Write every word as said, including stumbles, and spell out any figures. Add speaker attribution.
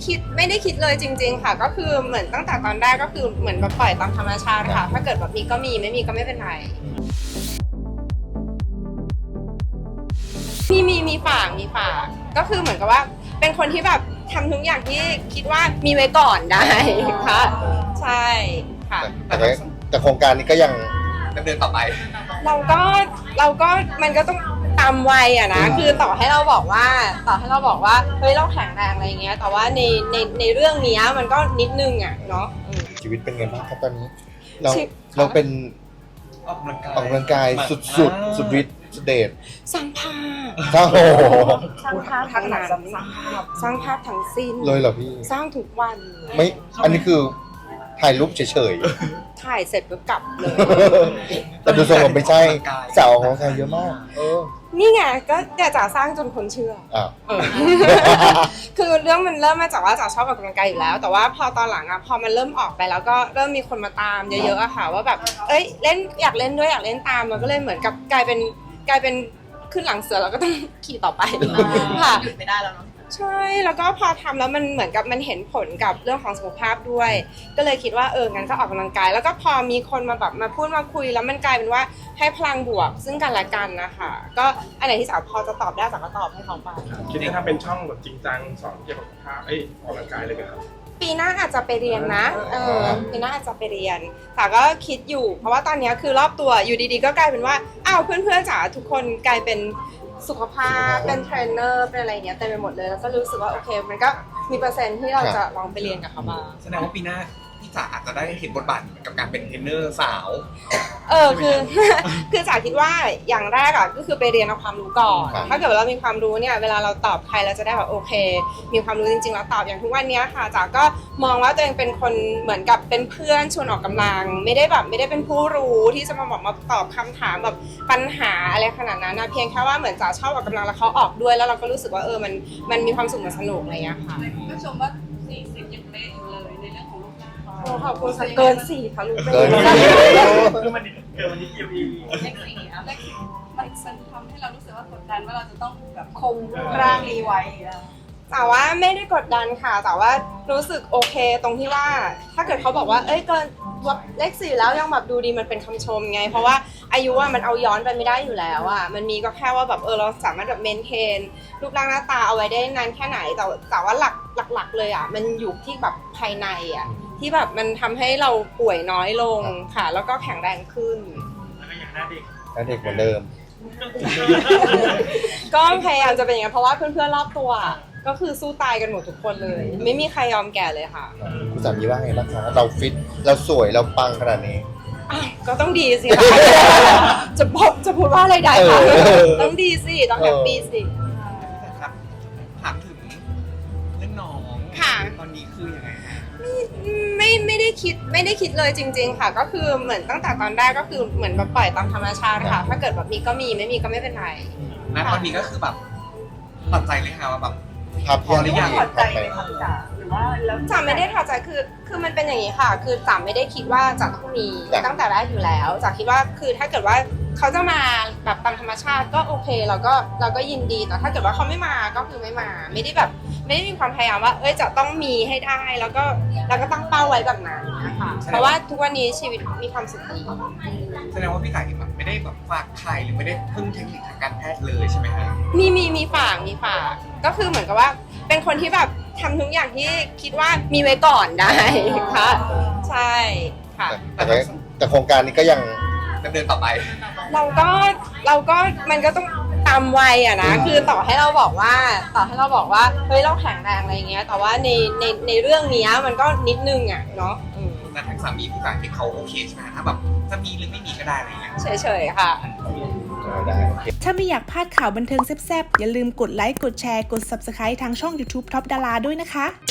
Speaker 1: คิดไม่ได้คิดเลยจริงๆค่ะก็คือเหมือนตั้งแต่ตอนแรกก็คือเหมือนแบบปล่อยตามธรรมชาติค่ะถ้าเกิดแบบมีก็มีไม่มีก็ไม่เป็นไรมีมีมีฝากมีฝากก็คือเหมือนกับว่าเป็นคนที่แบบทำทุกอย่างที่คิดว่ามีไว้ก่อนได้ค่ะใช่ค่ะ
Speaker 2: แต่แต่โครงการนี้ก็ยังดำเนินต่อไป
Speaker 1: เราก็เราก็มันก็ต้องตามวัยอะนะคือต่อให้เราบอกว่าต่อให้เราบอกว่าเฮ้ยเราแข็งแรงอะไรเงี้ยแต่ว่าในในในเรื่องนี้มันก็นิดนึงอะเนาะ
Speaker 2: ชีวิตเป็นไงบ้างครับตอนนี้เราเราเป็นออกกำลังกายออกกำลังกายสุดสุดสุดฤทธิ์สุดเดช
Speaker 1: สร้างภาพ
Speaker 2: โอ้โห
Speaker 1: สร้างภาพทั้งนั้นสร้างภาพสร้างภาพทั้งสิ้น
Speaker 2: เลยเหรอพี่
Speaker 1: สร้างทุกวัน
Speaker 2: ไม่อันนี้คือถ่ายรูปเฉย
Speaker 1: ๆถ่ายเสร็จก็กลับเลย
Speaker 2: แต่ดูทรงผมไม่ใช่สาวของใครเยอะมากเออ
Speaker 1: นี่ไงก็อยากจะสร้างจนคนเชื่ออ่าคือเรื่องมันเริ่มมาจากว่าจ๋าชอบออกกำลังกายอยู่แล้วแต่ว่าพอตอนหลังอะพอมันเริ่มออกไปแล้วก็เริ่มมีคนมาตามเยอะๆอะค่ะว่าแบบเอ้ยเล่นอยากเล่นด้วยอยากเล่นตามมันก็เลยเหมือนกับกลายเป็นกลายเป็นขึ้นหลังเสือแล้วก็ต้องขี่ต่อไปค่ะ
Speaker 3: หยุดไม่ได้แล้วเนาะ
Speaker 1: ใช่แล้วก็พอทำแล้วมันเหมือนกับมันเห็นผลกับเรื่องของสุขภาพด้วยก็เลยคิดว่าเอองั้นก็ออกกำลังกายแล้วก็พอมีคนมาแบบมาพูดมาคุยแล้วมันกลายเป็นว่าให้พลังบวกซึ่งกันและกันนะคะก็อันไหนที่สาวพอจะตอบได้สาวก็ตอบให้เขาไป
Speaker 4: คิดว่าถ้าเป็นช่องแบบจริงจังสอนเกี่ยวกับสุขภาพเอ้ยออกกำลังกายเลยไหมครับ
Speaker 1: ปีหน้าอาจจะไปเรียนนะเออปีหน้าอาจจะไปเรียนแต่ก็คิดอยู่เพราะว่าตอนนี้คือรอบตัวอยู่ดีๆก็กลายเป็นว่าอ้าวเพื่อนๆจ๋าทุกคนกลายเป็นสุขภาพเป็นเทรนเนอร์เป็นอะไรเงี้ยเต็มไปหมดเลยแล้วก็รู้สึกว่าโอเคมันก็มีเปอร์เซ็นต์ที่เราจะลองไปเรียนกับเขาบ้าง
Speaker 5: แสดงว่าปีหน้าพี่จ๋าอาจจะได้เห็นบทบาทกับการเป็นเทรนเนอร์สาว
Speaker 1: เออคือคือจ๋าคิดว่าอย่างแรกอ่ะก็คือไปเรียนเอาความรู้ก่อนถ้าเกิดเรามีความรู้เนี่ยเวลาเราตอบใครเราจะได้แบบโอเคมีความรู้จริงๆแล้วตอบอย่างทุกวันนี้ค่ะจ๋าก็มองว่าตัวเองเป็นคนเหมือนกับเป็นเพื่อนชวนออกกำลังไม่ได้แบบไม่ได้เป็นผู้รู้ที่จะมาบอกมาตอบคำถามแบบปัญหาอะไรขนาดนั้นนะเพียงแค่ว่าเหมือนจ๋าชอบออกกำลังแล้วเขาออกด้วยแล้วเราก็รู้สึกว่าเออมันมันมีความสุขมันสนุกอะไรอย่างเงี้ยค่ะ
Speaker 3: ก็ชมว่าสี่สิบยังเป๊ะอยู่เลยในเรื่องของรูปร่าง
Speaker 1: ขอบคุณเกินสี่ค่ะลูก
Speaker 2: เกิน
Speaker 4: คือมันเกินวันนี้เกี่ยวอี
Speaker 3: เลขสี่อะเลขสี่มันมันทำให้เรารู้สึกว่ากดดันว่าเราจะต้องแบบคงรูปร่างนี้ไว้
Speaker 1: แต่ว่าไม่ได้กดดันค่ะแต่ว่ารู้สึกโอเคตรงที่ว่าถ้าเกิดเขาบอกว่าเอ้ยเกินเลขสี่แล้วยังแบบดูดีมันเป็นคำชมไงเพราะว่าอายุว่ามันเอาย้อนไปไม่ได้อยู่แล้วอ่ะมันมีก็แค่ว่าแบบเออเราสามารถแบบเมนเทนรูปร่างหน้าตาเอาไว้ได้นานแค่ไหนแต่แต่ว่าหลักหลักๆเลยอ่ะมันอยู่ที่แบบภายในอ่ะที่แบบมันทำให้เราป่วยน้อยลงค่ะแล้วก็แข็งแรงขึ้น
Speaker 4: แล้วก็อย่างหน้าเด็ก
Speaker 2: หน้าเด็กเหมือนเดิม
Speaker 1: ก็พยายามจะเป็นอย่างนั้นเพราะว่าเพื่อนๆรอบตัวก็คือสู้ตายกันหมดทุกคนเลยไม่มีใครยอมแก่เลยค่ะ
Speaker 2: คุณสามีว่าไงบ้างคะเราฟิตเราสวยเราปังขนาดนี้
Speaker 1: ก็ต้องดีสิค่ะจะบอกจะพูดว่าอะไรได้ค่ะต้องดีสิต้องแฮปปี้สิ
Speaker 5: ครับถามถึงเรื่องน้อง
Speaker 1: ค่ะ
Speaker 5: ตอนนี้คือยังไงฮะ
Speaker 1: ไม่ไม่ได้คิดไม่ได้คิดเลยจริงๆค่ะก็คือเหมือนตั้งแต่ตอนแรกก็คือเหมือนแบบปล่อยตามธรรมชาติค่ะถ้าเกิดแบบมีก็มีไม่มีก็ไม่เป็นไร
Speaker 5: ณตอนนี้ก็คือแบบตัดใจเลยค่ะว่าแบบ
Speaker 2: ครับ
Speaker 5: พอหรือยัง
Speaker 3: ถอดใจไหมคะจ๋าหรือว่าแล้ว
Speaker 1: จ๋าไม่ได้ถอดใจคือคือมันเป็นอย่างนี้ค่ะคือจ๋าไม่ได้คิดว่าจะต้องมีตั้งแต่แรกอยู่แล้วจ๋าคิดว่าคือถ้าเกิดว่าเขาจะมาแบบตามธรรมชาติก็โอเคเราก็เราก็ยินดีแต่ถ้าเกิดว่าเขาไม่มาก็คือไม่มาไม่ได้แบบไม่ได้มีความพยายามว่าเอ้ยจะต้องมีให้ได้แล้วก็แล้วก็ตั้งเป้าไว้แบบนั้นนะคะเพราะว่าทุกวันนี้ชีวิตมีความสุขดี
Speaker 5: แสดงว่าพี่จ๋าแบบไม่ได้แบบฝากไข่หรือไม่ได้พึ่งเทคนิคทางการแพทย์เลยใช่ไหมฮะ
Speaker 1: มีมีมีฝากมีฝากก็คือเหมือนกับว่าเป็นคนที่แบบทำทุกอย่างที่คิดว่ามีไว้ก่อนได้ค่ะใช่ค่ะ
Speaker 2: แต่แต่โครงการนี้ก็ยัง
Speaker 5: ดำเนินต่อไป
Speaker 1: เราก็เราก็มันก็ต้องตามวัยอะนะคือต่อให้เราบอกว่าต่อให้เราบอกว่าเฮ้ยเราแข็งแรงอะไรเงี้ยแต่ว่าในในในเรื่องนี้มันก็นิดนึงอะเนาะ
Speaker 5: แต่ทั้งสามีพี่จ๋าที่เขาโอเคใช่ไหมถ้าแบบจะมีหรือไม่มีก็ได้อะไรเงี้ย
Speaker 1: เฉยๆค่ะ
Speaker 6: ถ้าไม่อยากพลาดข่าวบันเทิงแซ่บๆอย่าลืมกดไลค์กดแชร์กด ซับสไครบ์ ทางช่อง ยูทูบ ท็อปดาราด้วยนะคะ